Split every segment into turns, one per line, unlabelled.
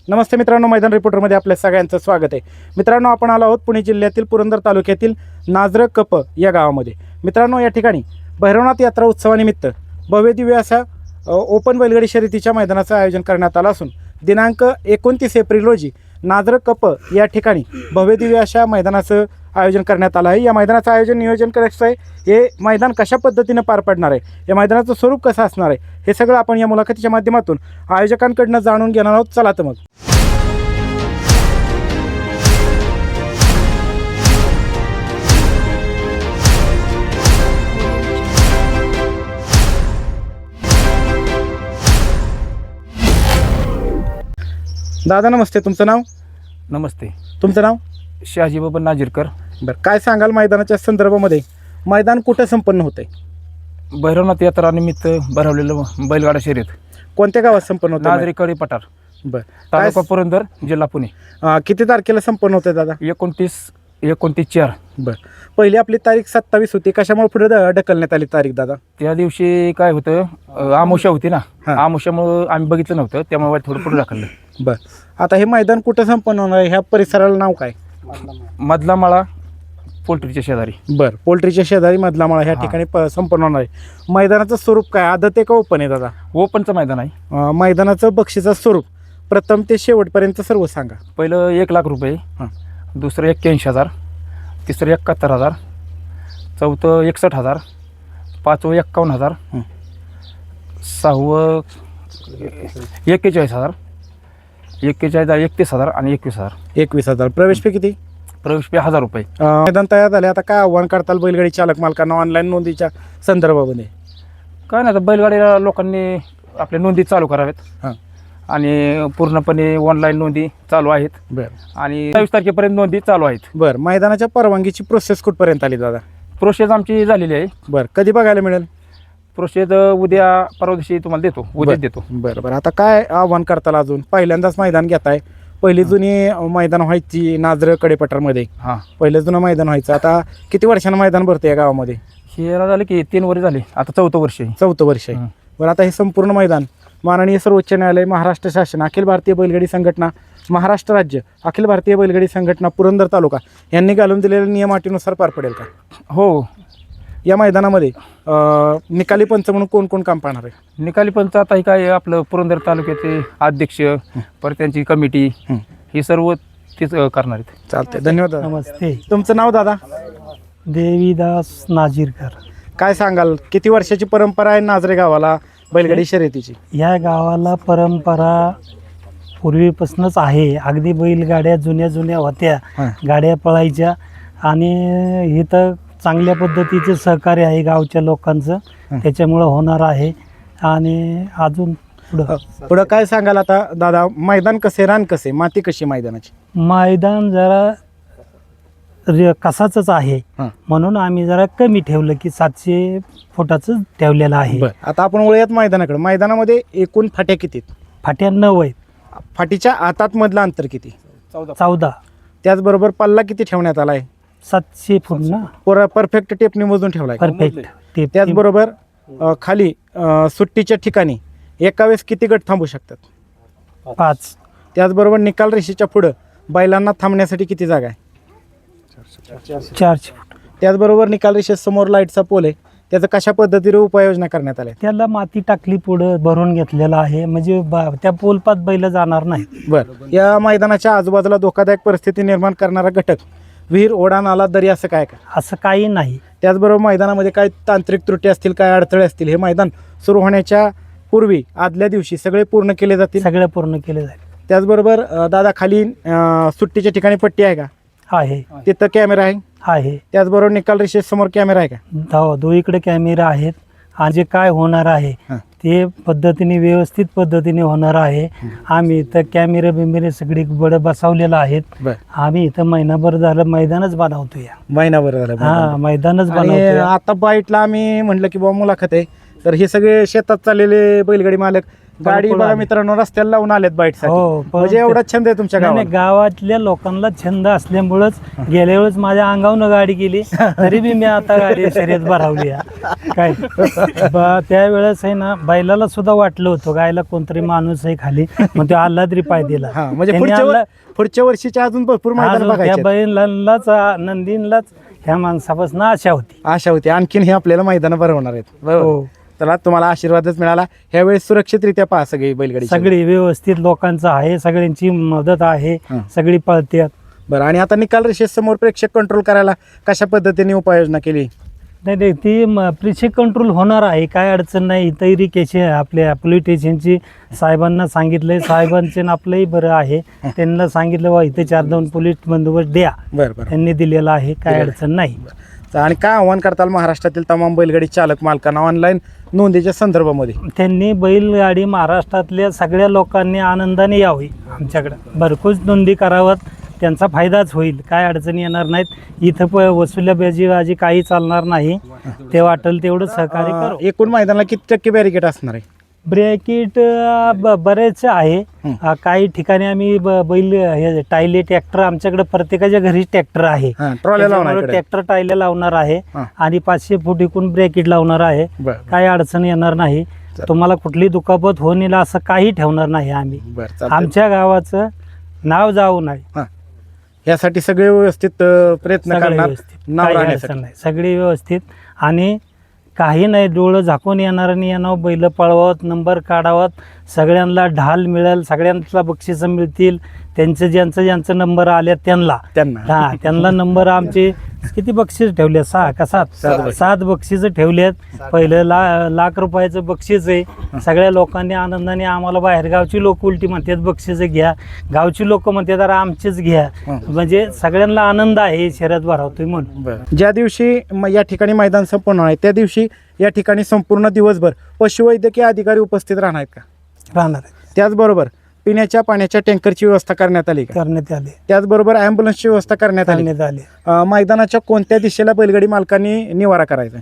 नमस्ते मित्रांनो, मैदान रिपोर्टरमध्ये आपल्या सगळ्यांचं स्वागत आहे. मित्रांनो, आपण आलो आहोत पुणे जिल्ह्यातील पुरंदर तालुक्यातील नाझरं कप या गावामध्ये. मित्रांनो, या ठिकाणी भैरवनाथ यात्रा उत्सवानिमित्त भव्य दिव्य असा ओपन बैलगाडी शर्यतीच्या मैदानाचं आयोजन करण्यात आलं असून दिनांक 29 एप्रिल रोजी नाझरं कप या ठिकाणी भव्य दिव्य अशा मैदानाचं आयोजन करण्यात आलं आहे. या मैदानाचं आयोजन नियोजन करायचं आहे, हे मैदान कशा पद्धतीनं पार पडणार आहे, या मैदानाचं स्वरूप कसं असणार आहे, हे सगळं आपण या मुलाखतीच्या माध्यमातून आयोजकांकडनं जाणून घेणार आहोत. चला तर मग. दादा नमस्ते, तुमचं नाव?
नमस्ते,
तुमचं नाव?
शहाजी बाबा नाजीरकर.
बरं, काय सांगाल मैदानाच्या संदर्भामध्ये? मैदान कुठं संपन्न होतं आहे?
भैरवनाथ यात्रा निमित्त भरवलेलं बैलगाडा शर्यत
कोणत्या गावात संपन्न होतं?
नाझरी कडी पठार,
बरं,
तालुका पुरंदर, जिल्हा पुणे.
किती तारखेला संपन्न होतं दादा?
29/4.
बरं, पहिली आपली तारीख 27 होती, कशामुळे पुढे ढकलण्यात आली तारीख दादा?
त्या दिवशी काय होतं, आमुषा होती ना,
हां.
आमुषामुळं आम्ही बघितलं नव्हतं, त्यामुळे थोडं पुढे ढकललं.
बरं, आता हे मैदान कुठं संपन्न होणार आहे? ह्या परिसराला नाव काय?
मधला माळा पोल्ट्रीच्या शेजारी.
बरं, पोल्ट्रीच्या शेजारी मधला माळा ह्या
हां.
ठिकाणी संपन्न होणार आहे. मैदानाचं स्वरूप काय, आदत आहे का ओपन आहे दादा?
ओपनचं मैदान आहे.
मैदानाचं बक्षीचं स्वरूप प्रथम ते शेवटपर्यंत सर्व सांगा.
पहिलं 1,00,000 रुपये,
हां.
दुसरं 81,000, तिसरं 71,000, चौथं 61,000, पाचवं 51,000,
हं.
सहावं 41,000, 31,000 आणि 21,000.
21,000. प्रवेश फी किती?
प्रवेश फी 1,000 रुपये.
मैदान तयार झाले, आता काय आव्हान करताल बैलगाडी चालक मालकांना ऑनलाईन नोंदीच्या संदर्भामध्ये?
काय नाही, आता बैलगाडीला लोकांनी आपल्या नोंदी चालू कराव्यात.
हां.
आणि पूर्णपणे ऑनलाईन नोंदी चालू आहेत.
बरं
आणि 22 तारखेपर्यंत नोंदी चालू आहेत.
बरं, मैदानाच्या परवानगीची प्रोसेस कुठपर्यंत आली दादा?
प्रोसेस आमची झालेली आहे.
बरं, कधी बघायला मिळेल?
प्रोसेस उद्या परवा दिवशी तुम्हाला देतो, उद्या देतो.
बरं बरं, आता काय आव्हान करताल? अजून पहिल्यांदाच मैदान घेताय. पहिली जुनी मैदान व्हायची नाझरं कडेपठारमध्ये,
हां,
पहिलं जुनं मैदान व्हायचं. आता किती वर्षानं मैदान भरतं या गावामध्ये?
हे झालं की 3 वर्ष झाले, आता 4थं वर्ष आहे.
4थं वर्ष आहे.
हं.
बरं, आता हे संपूर्ण मैदान माननीय सर्वोच्च न्यायालय, महाराष्ट्र शासन, अखिल भारतीय बैलगाडी संघटना, महाराष्ट्र राज्य, अखिल भारतीय बैलगाडी संघटना पुरंदर तालुका यांनी घालून दिलेल्या नियमाटीनुसार पार पडेल का?
हो,
या मैदानामध्ये निकाली पंच म्हणून कोण कोण काम पाहणार आहे?
निकाली पंच आता हे काय आपलं पुरंदर तालुक्याचे अध्यक्ष, परत त्यांची कमिटी,
हं.
ही सर्व तेच करणार आहेत.
चालतंय, धन्यवाद दादा.
नमस्ते,
तुमचं नाव दादा?
देवीदास नाजीरकर.
काय सांगाल, किती वर्षाची परंपरा आहे नाझरे गावाला बैलगाडी शर्यतीची?
या गावाला परंपरा पूर्वीपासूनच आहे. अगदी बैलगाड्या जुन्या जुन्या होत्या,
हां.
गाड्या पळायच्या. आणि इथं चांगल्या पद्धतीचे सहकार्य आहे गावच्या लोकांचं,
हं.
त्याच्यामुळं होणार आहे. आणि अजून
पुढं काय सांगाल आता दादा? मैदान कसे, रान कसे, माती कशी मैदानाची?
मैदान जरा कसाचंच आहे,
हां.
म्हणून आम्ही जरा कमी ठेवलं की 700 फुटाचं ठेवलेलं आहे.
बरं, आता आपण वळूयात मैदानाकडे. मैदानामध्ये एकूण फाट्या किती आहेत?
फाट्या 9 आहेत.
फाटीच्या आतात मधलं अंतर किती?
14.
त्याचबरोबर पल्ला किती ठेवण्यात आला आहे?
700 फूट ना,
परफेक्ट टेपने मोजून ठेवला आहे.
परफेक्ट.
त्याचबरोबर खाली सुट्टीच्या ठिकाणी एका वेळेस किती गट थांबू शकतात?
5.
त्याचबरोबर निकाल रेषेच्या पुढं बैलांना थांबण्यासाठी किती जागा आहे?
400 फूट.
त्याचबरोबर निकाल रेषेसमोर लाईटचा पोल आहे, त्याचं कशा पद्धतीने उपाययोजना करण्यात आल्या?
त्याला माती टाकली, पुढं भरून घेतलेलं आहे, म्हणजे त्या पोलपात बैल जाणार नाही.
बरं, या मैदानाच्या आजूबाजूला धोकादायक परिस्थिती निर्माण करणारा घटक, विहीर, ओढा, नाला, दरी असं काय का?
असं काही नाही.
त्याचबरोबर मैदानामध्ये काय तांत्रिक त्रुटी असतील, काय अडथळे असतील, हे मैदान सुरू होण्याच्या पूर्वी आदल्या दिवशी सगळे पूर्ण केले जातील?
सगळं पूर्ण केलं जाईल.
त्याचबरोबर दादा खाली सुट्टीच्या ठिकाणी पट्टी आहे का?
आहे,
तिथं कॅमेरा आहे?
आहे.
त्याचबरोबर निकाल रेषेसमोर कॅमेरा आहे का?
दोन्हीकडे कॅमेरा आहेत. आणि जे काय होणार आहे
हां.
ते पद्धतीने, व्यवस्थित पद्धतीने होणार आहे. आम्ही इथं कॅमेरे बिमेरे सगळी बडं बसवलेलं आहेत.
बरं,
आम्ही इथं महिनाभर झालं मैदानच बनवतोय.
महिनाभर झालं
हा, मैदानच
आणि
बनवतोय.
आता बाईटला आम्ही म्हटलं की बाबा मुलाखत आहे, तर हे सगळे शेतात चाललेले बैलगाडी मालक गाडी
पळून
बघा
आली.
मित्रांनो रस्त्याला लावून आलेत बाईटसाठी
हो, पळून
म्हणजे
ते-
एवढा छंद आहे तुमच्या
नाही, नाही,
गावात.
गावातल्या लोकांना छंद असल्यामुळंच गेल्या वेळेस माझ्या अंगावनं गाडी गेली तरी बी मी आता गाडी शर्यत भरावली आहे. काय त्यावेळेस आहे ना बैलाला सुद्धा वाटलं होतं गायला कोणतरी माणूस आहे खाली मग तो आल्हाद्री पाय दिला.
हा म्हणजे
त्यांनी
पुढच्या वर्षीच्या अजून भरपूर मैदान
अजून त्या
बघायचे आहेत.
बैलांनाच नंदीनलाच ह्या माणसापासून आशा होती.
आशा होती आणखीन हे आपल्याला मैदान भरवणार आहेत बरोबर.
हो.
चला तुम्हाला आशीर्वादच मिळाला ह्यावेळेस सुरक्षितरित्या पहा सगळी बैलगाडी शर्यत.
सगळी व्यवस्थित लोकांचं आहे, सगळ्यांची मदत आहे,
हं.
सगळी पळतात.
बरं आणि आता निकाल रेषेसमोर प्रेक्षक कंट्रोल करायला कशा पद्धतीने उपाययोजना केली.
नाही नाही ती प्रेक्षक कंट्रोल होणार आहे, काय अडचण नाही. तैरी केशी आपल्या पोलीस स्टेशनची साहेबांना सांगितलंय, साहेबांचे आपलंही बरं आहे. त्यांना सांगितलं बा इथे 4-2 पोलीस बंदोबस्त द्या,
बरं बरं
त्यांनी दिलेला आहे, काय अडचण नाही.
आणि काय आव्हान करताल महाराष्ट्रातील तमाम बैलगाडी चालक मालकांना ऑनलाईन नोंदीच्या संदर्भामध्ये.
त्यांनी बैलगाडी महाराष्ट्रातल्या सगळ्या लोकांनी आनंदाने यावी आमच्याकडं, भरपूर नोंदी कराव्यात, त्यांचा फायदाच होईल, काय अडचणी येणार नाहीत. इथं वसुल्याबाजी काही चालणार नाही, ते वाटेल तेवढं सहकार्य करू.
एकूण मैदानाला किती टक्के बॅरिकेड असणार आहे.
ब्रॅकेट बरेच आहे. काही ठिकाणी आम्ही बैल हे टायले ट्रॅक्टर आमच्याकडे प्रत्येकाच्या घरीच ट्रॅक्टर आहे,
हा, ट्रॉल्या लावणार इकडे.
ट्रॅक्टर टायले लावणार आहे
हा.
आणि 500 फूट इकून ब्रॅकेट लावणार आहे.
बरं
काही अडचण येणार नाही, तुम्हाला कुठली दुखापत होऊन येईल असं काही ठेवणार नाही आम्ही.
बरं चालतंय.
आमच्या गावाचं नाव जाऊ नये
हा. यासाठी सगळे व्यवस्थित प्रयत्न
सगळे
करणार
व्यवस्थित,
नाव
काही
राहण्यासाठी.
अडचण नाही, सगळे व्यवस्थित. आणि काही नाही, डोळं झाकून येणार नाही, येणं बैल पळवत नंबर काढावत, सगळ्यांना ढाल मिळेल, सगळ्यांना बक्षिसं मिळतील. त्यांचं ज्यांचं नंबर आले त्यांना त्यांना नंबर आमचे किती बक्षीस ठेवले 6 का 7 7 बक्षीस ठेवलेत. पहिलं लाख रुपयाचं बक्षीस आहे. सगळ्या लोकांनी आनंदाने आम्हाला बाहेरगावची लोक उलटी म्हणतात बक्षीस घ्या, गावची लोक म्हणतात अरे आमचेच घ्या. म्हणजे सगळ्यांना आनंद आहे शर्यत भरवतोय म्हणून.
ज्या दिवशी या ठिकाणी मैदान संपन्न आहे त्या दिवशी या ठिकाणी संपूर्ण दिवसभर पशुवैद्यकीय अधिकारी उपस्थित राहणार आहेत का.
राहणार आहे.
त्याचबरोबर पिण्याच्या पाण्याच्या टँकरची व्यवस्था करण्यात आली का.
करण्यात आले,
त्याचबरोबर ॲम्ब्युलन्सची व्यवस्था करण्यात आली. मैदानाच्या कोणत्या दिशेला बैलगाडी मालकांनी निवारा करायचा.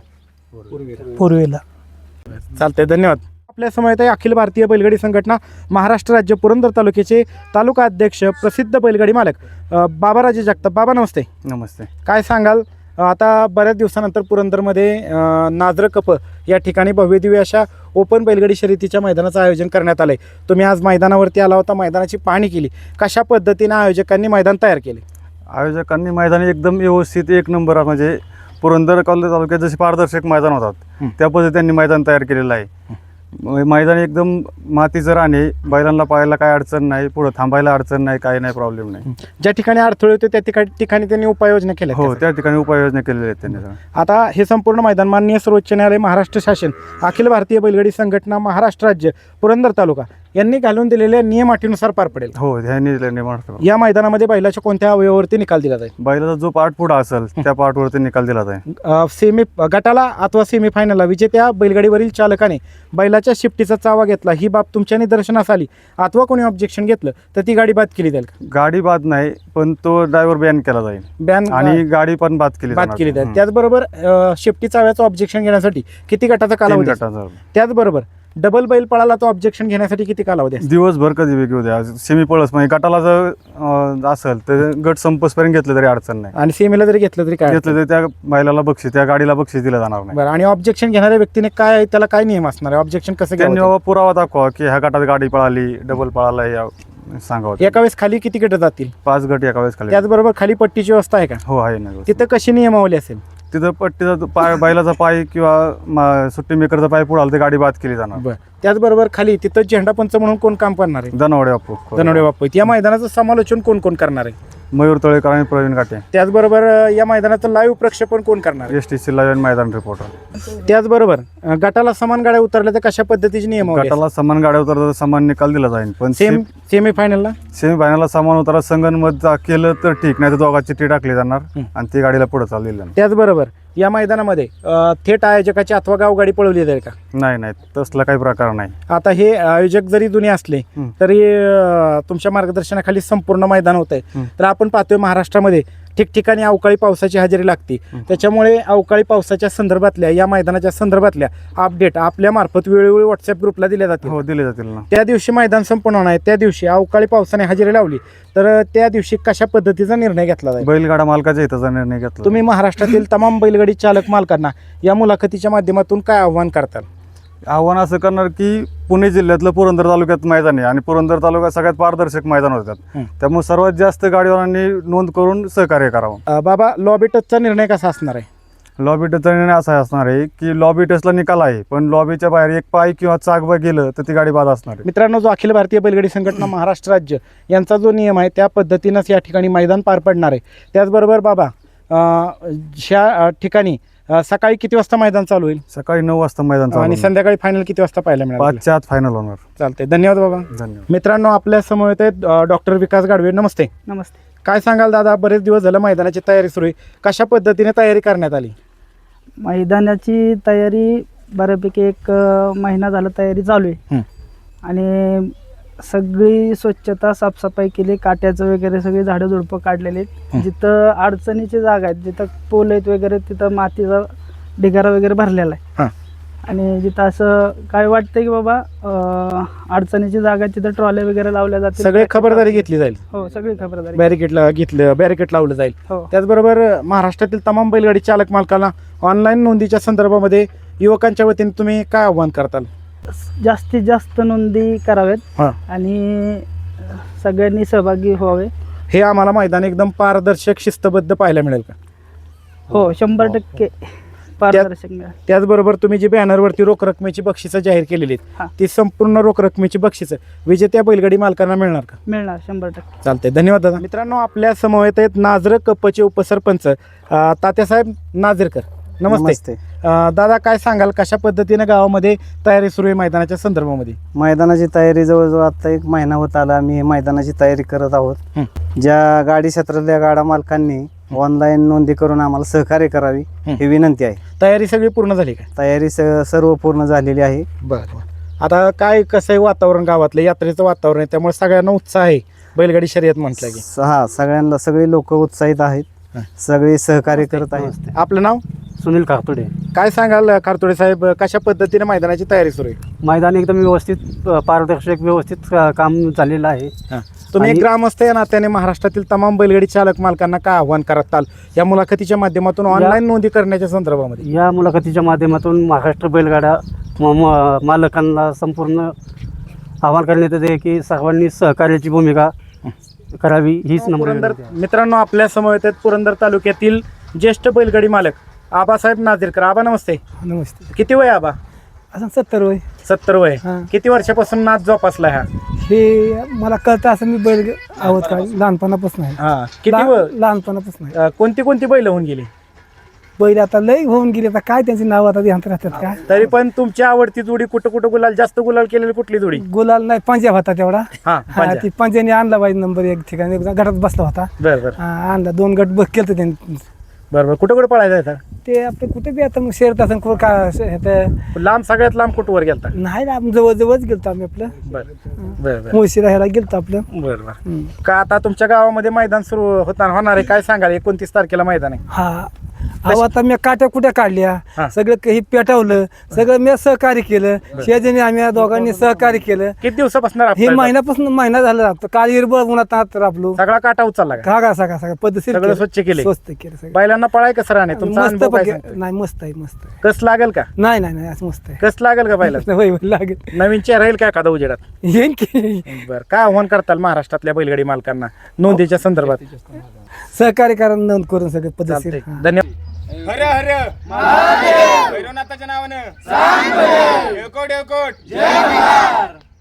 पूर्वेला.
चालतंय, धन्यवाद. आपल्या समोर आहे अखिल भारतीय बैलगाडी संघटना महाराष्ट्र राज्य पुरंदर तालुक्याचे तालुका अध्यक्ष प्रसिद्ध बैलगाडी मालक बाबाराजे जगताप. बाबा नमस्ते.
नमस्ते.
काय सांगाल, आता बऱ्याच दिवसानंतर पुरंदरमध्ये नाझर कप या ठिकाणी भव्यदिव्य अशा ओपन बैलगाडी शर्यतीच्या मैदानाचं आयोजन करण्यात आलं आहे. तुम्ही आज मैदानावरती आला होता, मैदानाची पाहणी केली, कशा पद्धतीने आयोजकांनी मैदान तयार केले.
आयोजकांनी मैदान एकदम व्यवस्थित एक नंबर म्हणजे पुरंदर तालुक्यात जसे पारदर्शक मैदान होतात त्या पद्धतीने त्यांनी मैदान तयार केलेलं आहे. मैदान एकदम मातीचं राहणे, बैलांना पाहायला काय अडचण नाही, पुढे थांबायला अडचण नाही, काही नाही, प्रॉब्लेम नाही.
ज्या ठिकाणी अडथळे होते त्या ठिकाणी त्यांनी उपाययोजना केल्या.
हो, त्या ठिकाणी उपाययोजना केलेल्या आहेत त्यांनी.
आता हे संपूर्ण मैदान माननीय सर्वोच्च न्यायालय महाराष्ट्र शासन अखिल भारतीय बैलगाडी संघटना महाराष्ट्र राज्य पुरंदर तालुका यांनी घालून दिलेल्या नियम अटीनुसार पार पडेल.
हो, ह्यांनी
या मैदानामध्ये बैलाच्या कोणत्या अवयवावरती निकाल दिला जाईल.
बैलाचा जो पार्ट पुढे असेल त्या पार्टवरती निकाल दिला जाईल.
गटाला अथवा सेमीफायनलला विजेत्या बैलगाडीवरील चालकाने बैलाच्या शिफ्टीचा चावा घेतला, ही बाब तुमच्या निदर्शनास आली अथवा कोणी ऑब्जेक्शन घेतलं तर ती गाडी बाद केली जाईल का.
गाडी बाद नाही, पण तो ड्रायव्हर बॅन केला जाईल
बॅन
आणि गाडी पण बाद केली
जाईल. त्याचबरोबर शिफ्टी चाव्याचं ऑब्जेक्शन घेण्यासाठी किती गटाचा कालावधी. त्याचबरोबर डबल बैल पळाला तो ऑब्जेक्शन घेण्यासाठी किती कालावधी.
दिवसभर कधी वेगळी होत्या. सेमी पळस म्हणजे गटाला जर असेल तर गट संपसपर्यंत घेतलं तरी अडचण नाही,
आणि सेमीला जरी घेतलं तरी काय
घेतलं तरी त्या बैलाला बक्षीस, त्या गाडीला बक्षीस दिलं जाणार नाही.
बरं, आणि ऑब्जेक्शन घेणाऱ्या व्यक्तीने काय त्याला काय नियम असणार आहे, ऑब्जेक्शन कसं
त्यांनी
घ्यावं.
बाबा पुरावा दाखवा की ह्या गटात गाडी पळाली, डबल पळाला, या सांगावं.
एका वेळेस खाली किती गट जातील.
5 गट एका वेळेस खाली.
त्याचबरोबर खाली पट्टीची व्यवस्था आहे का.
हो, आहे ना.
तिथं कशी नियमावली असेल.
तिथं पट्टीचा पाय, बैलाचा पाय किंवा सुट्टी मेकरचा पाय पुढे आला तर गाडी बाद केली जाणार.
बरं, त्याचबरोबर खाली तिथं झेंडा पंच म्हणून कोण काम करणार आहे.
दनवडे बापू.
धनवडे बापू. या मैदानाचं समालोचन कोण कोण करणार आहे.
मयूर तळेकर आणि प्रवीण घाटे.
त्याचबरोबर या मैदानाचं लाईव्ह प्रक्षेपण कोण करणार आहे.
STC लाईव्ह मैदान रिपोर्टर.
त्याचबरोबर गटाला समान गाड्या उतरल्या तर कशा पद्धतीची नियमावली.
गटाला समान गाड्या उतरतात, समान निकाल दिला जाईल. पण
सेमीफायनलला
सेमीफायनलला समान उतरा संगणमत केलं तर ठीक, नाही तर दोघांची चिठ्ठी टाकली जाणार आणि ती गाडीला पुढे चालली.
त्याचबरोबर या मैदानामध्ये थेट आयोजकाची अथवा गावगाडी पळवली जाईल का.
नाही, तसला काही प्रकार नाही.
आता हे आयोजक जरी जुने असले तरी तुमच्या मार्गदर्शनाखाली संपूर्ण मैदान होत आहे. तर आपण पाहतोय महाराष्ट्रामध्ये ठिकठिकाणी अवकाळी पावसाची हजेरी लागते, त्याच्यामुळे अवकाळी पावसाच्या संदर्भातल्या या मैदानाच्या संदर्भातल्या अपडेट आपल्या मार्फत वेळोवेळी व्हॉट्सअप ग्रुपला दिल्या जातील.
हो, दिले जातील ना.
त्या दिवशी मैदान संपन्न होणार आहे, त्या दिवशी अवकाळी पावसाने हजेरी लावली तर त्या दिवशी कशा पद्धतीचा निर्णय घेतला जाईल?
बैलगाडा मालकाच्या हिताचा निर्णय घेतला.
तुम्ही महाराष्ट्रातील तमाम बैलगाडी चालक मालकांना या मुलाखतीच्या माध्यमातून काय आव्हान करताल?
आव्हान असं करणार की पुणे जिल्ह्यातलं पुरंदर तालुक्यात मैदान आहे आणि पुरंदर तालुका सगळ्यात पारदर्शक मैदान होतात, त्यामुळे सर्वात जास्त गाडीवारांनी नोंद करून सहकार्य करावं.
बाबा, लॉबी टचचा निर्णय कसा असणार आहे?
लॉबी टचचा निर्णय असा असणार आहे की लॉबी टचला निकाल आहे, पण लॉबीच्या बाहेर एक पाय किंवा चाक गेलं तर ती गाडी बाद असणार आहे.
मित्रांनो, जो अखिल भारतीय बैलगाडी संघटना महाराष्ट्र राज्य यांचा जो नियम आहे त्या पद्धतीनंच या ठिकाणी मैदान पार पडणार आहे. त्याचबरोबर बाबा, ह्या ठिकाणी सकाळी किती वाजता मैदान चालू होईल?
सकाळी 9 वाजता मैदान चालू
आणि
होणार.
संध्याकाळी फायनल किती वाजता पाहायला मिळेल?
5च्या आत फायनल होणार.
चालतंय, धन्यवाद बाबा.
धन्यवाद.
मित्रांनो, आपल्या समोर आहेत डॉक्टर विकास गाडवे. नमस्ते.
नमस्ते.
काय सांगाल दादा, बरेच दिवस झालं मैदानाची तयारी सुरू आहे, कशा पद्धतीने तयारी करण्यात आली?
मैदानाची तयारी बऱ्यापैकी एक महिना झाला तयारी चालू आहे आणि सगळी स्वच्छता साफसफाई केली, काट्याचं वगैरे सगळी झाडं झुडपं काढलेली आहेत. जिथं अडचणीची जागा आहेत, जिथं पोल आहेत वगैरे, तिथं मातीचा ढिगारा वगैरे भरलेला आहे. आणि जिथं असं काय वाटतं की बाबा अडचणीची जागा तिथं ट्रॉल्या वगैरे लावल्या जातील,
सगळे खबरदारी घेतली जाईल,
हो सगळी खबरदारी.
बॅरिकेड लावलं जाईल.
हो.
त्याचबरोबर महाराष्ट्रातील तमाम बैलगाडी चालक मालकांना ऑनलाईन नोंदीच्या संदर्भामध्ये युवकांच्या वतीने तुम्ही काय आव्हान करताल?
जास्तीत जास्त नोंदी कराव्यात आणि सगळ्यांनी सहभागी व्हावे.
हे आम्हाला मैदान एकदम पारदर्शक शिस्तबद्ध पाहायला मिळेल का?
हो, 100% पारदर्शक मिळेल.
त्याचबरोबर तुम्ही जी बॅनरवरती रोख रकमेची बक्षिसं जाहीर केलेली आहेत, ती संपूर्ण रोख रकमेची बक्षिसं विजेत्या बैलगाडी मालकांना मिळणार का?
मिळणार 100%.
चालतंय, धन्यवाद दादा. मित्रांनो, आपल्या समवेत आहेत नाझर कपचे उपसरपंच तात्यासाहेब नाझरकर. नमस्ते. दादा, काय सांगाल, कशा पद्धतीने गावामध्ये तयारी सुरू आहे मैदानाच्या संदर्भामध्ये?
मैदानाची तयारी जवळजवळ आता 1 महिना होत आला. आम्ही मैदानाची तयारी करत आहोत. ज्या गाडी क्षेत्रातल्या गाडा मालकांनी ऑनलाईन नोंदी करून आम्हाला सहकार्य करावी ही विनंती आहे.
तयारी सगळी पूर्ण झाली का?
तयारी सर्व पूर्ण झालेली आहे.
बरं. आता काय कसं आहे वातावरण, गावातलं यात्रेचं वातावरण आहे, त्यामुळे सगळ्यांना उत्साह आहे बैलगाडी शर्यत म्हटलं की.
सगळ्यांना सगळे लोक उत्साहित आहेत, सगळे सहकार्य करत आहेत.
आपलं नाव?
सुनील काकतोडे.
काय सांगाल कारतोडे साहेब, कशा पद्धतीने मैदानाची तयारी सुरू आहे?
मैदान एकदम व्यवस्थित, पारदर्शक, व्यवस्थित काम झालेलं आहे.
तुम्ही एक ग्रामस्थ या नात्याने महाराष्ट्रातील तमाम बैलगाडी चालक मालकांना काय आव्हान करताल या मुलाखतीच्या माध्यमातून ऑनलाईन नोंदी करण्याच्या संदर्भामध्ये?
या मुलाखतीच्या माध्यमातून महाराष्ट्र बैलगाडा मालकांना संपूर्ण आवाहन करण्यात येते की सर्वांनी सहकार्याची भूमिका करावी हीच नम्र.
मित्रांनो, आपल्या समवेत आहेत पुरंदर तालुक्यातील ज्येष्ठ बैलगाडी मालक आबासाहेब नाझरकर. आबा नमस्ते.
नमस्ते.
किती वय आबा?
असं 70 वय.
70 वय. किती वर्षापासून नाच जोपासला हा?
हे मला कळतं असं मी बैल आहोत का लहानपणापासून आहे.
किती
लहानपणापासून आहे.
कोणती बैल होऊन गेली?
बैल आता लय होऊन गेले, आता काय त्यांची नाव आता ध्यानात राहतात का?
तरी पण तुमची आवडती जोडी कुठं गुलाल, जास्त गुलाल केलेली कुठली जोडी?
गुलाल नाही, पंजा होता तेवढा.
पंजा.
ती पंजाने आणला पाहिजे नंबर 1 ठिकाणी, घरात बसला होता.
बरं.
आणला 2 गट बघ केलं त्यांनी.
बरं. कुठं पळायचं?
ते आपलं कुठे बी आता मग शेरत असं का
लांब, सगळ्यात लांब कुठवर गेलता?
नाही ना, जवळच गेलतो आम्ही आपलं.
बरं.
मुळशी राहायला गेलतो आपलं.
बरं. का आता तुमच्या गावामध्ये मैदान सुरू होणार आहे, काय सांगाल? 29 तारखेला मैदान आहे.
हा, अहो आता मी काट्या कुठ्या काढल्या, सगळं काही पेटवलं, सगळं मी सहकार्य केलं. शेजारी आम्ही दोघांनी सहकार्य केलं.
किती दिवसापासून
हे महिना झालं. काल हिरबळ उन्हात राबलो.
सगळा काटा उचलला का?
सगळं पद्धतशीर
सगळं स्वच्छ केलं.
स्वस्त केलं सगळं.
बैलांना पळाय कसं राहणे तुमचा
मस्त
अनुभव काय सांगतो?
नाही, मस्त आहे, मस्त आहे.
कस लागेल का?
नाही असं मस्त आहे.
कस लागेल का बैला?
होय, लागेल.
नवीन चेहरा येईल का एखादा उजेडात?
येईन की.
बरं. काय आव्हान करताल महाराष्ट्रातल्या बैलगाडी मालकांना नोंदीच्या संदर्भात?
सहकार्य करा, नोंद करून सगळं पद्धतशीर.
चालतंय. धन्यवाद.
हर हर महादेव भैरवनाथाच्या नावानं सांग बरं. येळकोट येळकोट जय महाराज.